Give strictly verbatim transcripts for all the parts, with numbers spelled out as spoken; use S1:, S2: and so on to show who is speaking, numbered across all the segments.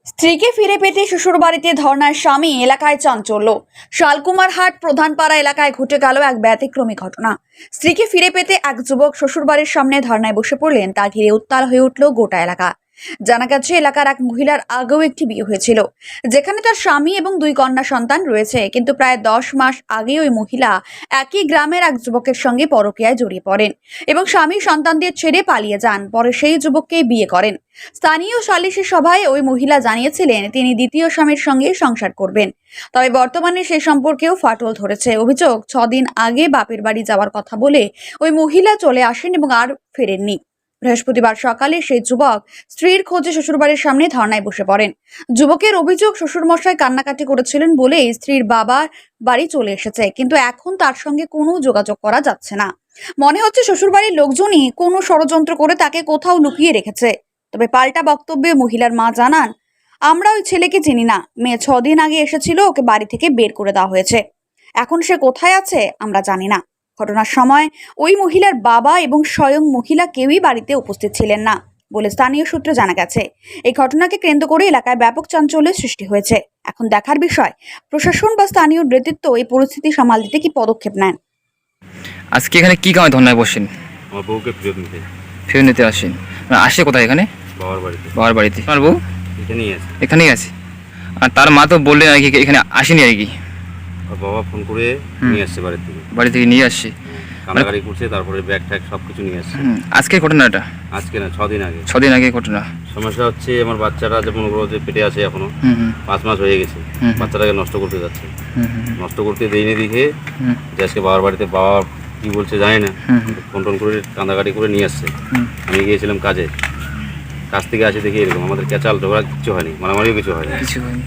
S1: স্ত্রীকে ফিরে পেতে শ্বশুরবাড়িতে ধর্নায় স্বামী, এলাকায় চাঞ্চল্য। শালকুমারহাট প্রধানপাড়া এলাকায় ঘটে গেল এক ব্যতিক্রমী ঘটনা। স্ত্রীকে ফিরে পেতে এক যুবক শ্বশুরবাড়ির সামনে ধর্নায় বসে পড়লেন। তা ঘিরে উত্তাল হয়ে উঠল গোটা এলাকা। জানা গেছে, এলাকার এক মহিলার আগেও একটি বিয়ে হয়েছিল, যেখানে তার স্বামী এবং দুই কন্যা সন্তান রয়েছে। কিন্তু প্রায় দশ মাস আগে ওই মহিলা একই গ্রামের এক যুবকের সঙ্গে পরকীয়ায় জড়িয়ে পড়েন এবং স্বামী সন্তানদের ছেড়ে পালিয়ে যান। পরে সেই যুবককে বিয়ে করেন। স্থানীয় সালিশি সভায় ওই মহিলা জানিয়েছিলেন তিনি দ্বিতীয় স্বামীর সঙ্গে সংসার করবেন। তবে বর্তমানে সেই সম্পর্কেও ফাটল ধরেছে। অভিযোগ, ছদিন আগে বাপের বাড়ি যাওয়ার কথা বলে ওই মহিলা চলে আসেন এবং আর ফেরেননি। বৃহস্পতিবার সকালে সেই যুবক স্ত্রীর খোঁজে শ্বশুরবাড়ির সামনে ধর্নায় বসে পড়েন। যুবকের অভিযোগ, শ্বশুরমশাই কান্নাকাটি করেছিলেন বলেই স্ত্রীর বাবার বাড়ি চলে এসেছে, কিন্তু এখন তার সঙ্গে কোনো যোগাযোগ করা যাচ্ছে না। মনে হচ্ছে শ্বশুরবাড়ির লোকজনই কোনো ষড়যন্ত্র করে তাকে কোথাও লুকিয়ে রেখেছে। তবে পাল্টা বক্তব্যে মহিলার মা জানান, আমরা ওই ছেলেকে চিনি না। মেয়ে ছদিন আগে এসেছিল, ওকে বাড়ি থেকে বের করে দেওয়া হয়েছে। এখন সে কোথায় আছে আমরা জানি না। ঘটনার সময় ওই মহিলার বাবা এবং স্বয়ং মহিলা কেউই বাড়িতে উপস্থিত ছিলেন না বলে স্থানীয় সূত্রে জানা গেছে। এই ঘটনাকে কেন্দ্র করে এলাকায় ব্যাপক চাঞ্চল্যের সৃষ্টি হয়েছে। এখন দেখার বিষয়, প্রশাসন বা স্থানীয় নেতৃত্ব এই পরিস্থিতি সামাল দিতে কি পদক্ষেপ নেন।
S2: আজকে এখানে কি কারণে ধর্নায় বসেন?
S3: আমার বউকে ফেরত নিতে
S2: ফেরত নিতে আসেন। মানে আসে কোথায়? এখানে
S3: বাবার বাড়িতে।
S2: বাবার বাড়িতে। আমার বউ
S3: এখানেই আছে।
S2: এখানেই আছে। আর তার মা তো বললেন আর কি এখানে আসেনি আর কি।
S3: আর বাবা ফোন করে নিয়ে আসছে বাড়ি থেকে।
S2: বাড়ি থেকে নিয়ে আসছে,
S3: কান্নাকাটি করছে, তারপরে ব্যাগ ট্যাগ সব কিছু নিয়ে আসছে।
S2: আজকে ঘটনাটা?
S3: আজকে না, ছদিন আগে।
S2: ছদিন আগে ঘটনা।
S3: সমস্যা হচ্ছে আমার বাচ্চাটা যেমন ওগুলো যে পেটে আছে এখনো পাঁচ মাস হয়ে গেছে, বাচ্চাটাকে নষ্ট করতে যাচ্ছে। নষ্ট করতে দেয়নি দেখে যে আজকে বাবার বাড়িতে বাবা কি বলছে জানি না, ফোন টোন করে কান্দাকাটি করে নিয়ে আসছে। আমি গিয়েছিলাম কাজে, কাজ থেকে আসে দেখি এরকম। আমাদের ক্যাচাল ঝগড়া কিছু হয়নি, মারামারিও কিছু হয়নি।
S2: কিছু হয়নি।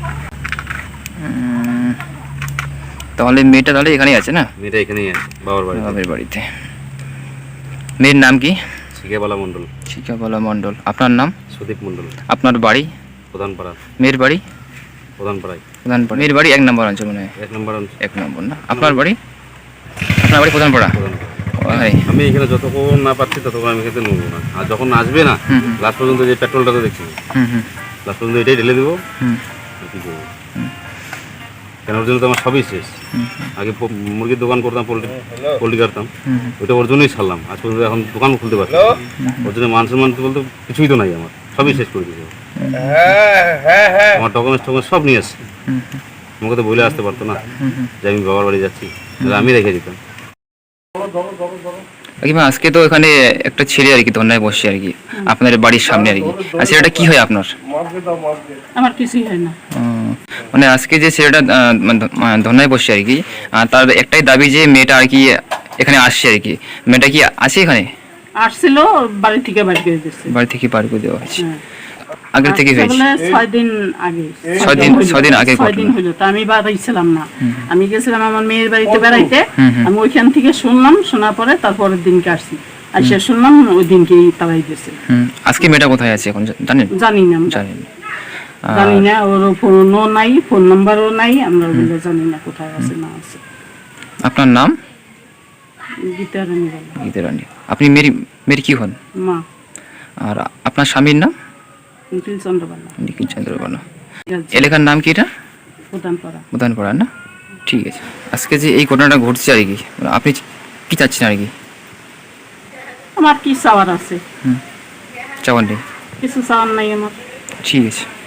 S2: তাহলে মেয়েটা তাহলে এখানেই আছে না?
S3: মেয়েটা এখানেই আছে বাবার বাড়িতে।
S2: বাবার বাড়িতে। মেয়ের নাম কি?
S3: শিখাবালা মণ্ডল।
S2: শিখাবালা মণ্ডল। আপনার নাম?
S3: সুদীপ মণ্ডল।
S2: আপনার বাড়ি?
S3: প্রধানপাড়া।
S2: মেয়ের বাড়ি?
S3: প্রধানপাড়ায়।
S2: প্রধানপাড়া। মেয়ের বাড়ি এক নম্বর অঞ্চল মনে হয়।
S3: এক নম্বর অঞ্চল।
S2: এক নম্বর না? আপনার বাড়ি? আপনার বাড়ি প্রধানপাড়া।
S3: আমি এখানে যতক্ষণ না পাচ্ছি ততক্ষণ আমি এখানে নেবো না। আর যখন আসবে না, লাস্ট পর্যন্ত যে পেট্রোলটা তো দেখছি, লাস্ট পর্যন্ত এটাই ঢেলে দেবো। কি করবো? কেন ওর জন্য তো আমার সবই শেষ। আগে মুরগির দোকান করতাম, পোল্ট্রি পোল্ট্রি কাটতাম, ওইটা ওর জন্যই ছাড়লাম। আজ পর্যন্ত এখন দোকান খুলতে পারছি। ওর জন্য মান সম্মান বলতে কিছুই তো নাই, আমার সবই শেষ করে দিয়েছে। আমার ডকুমেন্টস টকুমেন্টস সব নিয়ে আসছে। আমাকে তো বলে আসতে পারতো না যে আমি বাবার বাড়ি যাচ্ছি, আমি রেখে দিতাম।
S2: আজকে তো এখানে একটা ছেলে আর কি ধর্নায় বসে আর কি আপনাদের বাড়ির সামনে আর কি। আর ছেলেটা কি হয় আপনার?
S4: আমার কিছুই হয় না।
S2: মানে আজকে যে ছেলেটা ধর্নায় বসে আর কি, তার একটাই দাবি যে মেয়েটা আর কি এখানে আসছে আর কি। মেয়েটা কি আছে এখানে?
S4: আসছিল, বাড়ি থেকে বাড়ি করে দিয়েছে।
S2: বাড়ি থেকে বাড়ি করে দেওয়া হয়েছে। আগে থেকে হয়েছে
S4: ছয় দিন আগে।
S2: ছয় দিন ছয় দিন আগে
S4: ছয় দিন হলো। তা আমি বাড়ি ছিলাম না, আমি গেছিলাম আমার মেয়ের বাড়িতে বেড়াইতে। আমি ওইখান থেকে শুনলাম, শোনার পরে তারপরের দিনকে আসছি। আসে শুনলাম ওই দিনকেই তারাই দিয়েছে।
S2: আজকে মেয়েটা কোথায় আছে এখন জানেন?
S4: জানি না, জানি না জানি না ওর ফোনও নাই, ফোন নাম্বারও নাই। আমরা ওগুলো জানি না কোথায় আছে না আছে।
S2: আপনার নাম?
S4: গীতা রানী।
S2: গীতা রানী। আপনি মেরি মেয়ের কি হন?
S4: মা।
S2: আর আপনার স্বামীর নাম?
S4: নিখিল চন্দ্রবালা।
S2: নিখিল চন্দ্রবালা। এলাকার নাম কি এটা?
S4: প্রধানপাড়া।
S2: প্রধানপাড়া না? ঠিক আছে। আজকে যে এই ঘটনাটা ঘটছে আর কি, আপনি কি চাচ্ছেন আর কি?
S4: আমার কি চাওয়ার আছে?
S2: হুম, চাওয়ার নেই?
S4: কিছু চাওয়ার নাই আমার।
S2: ঠিক আছে।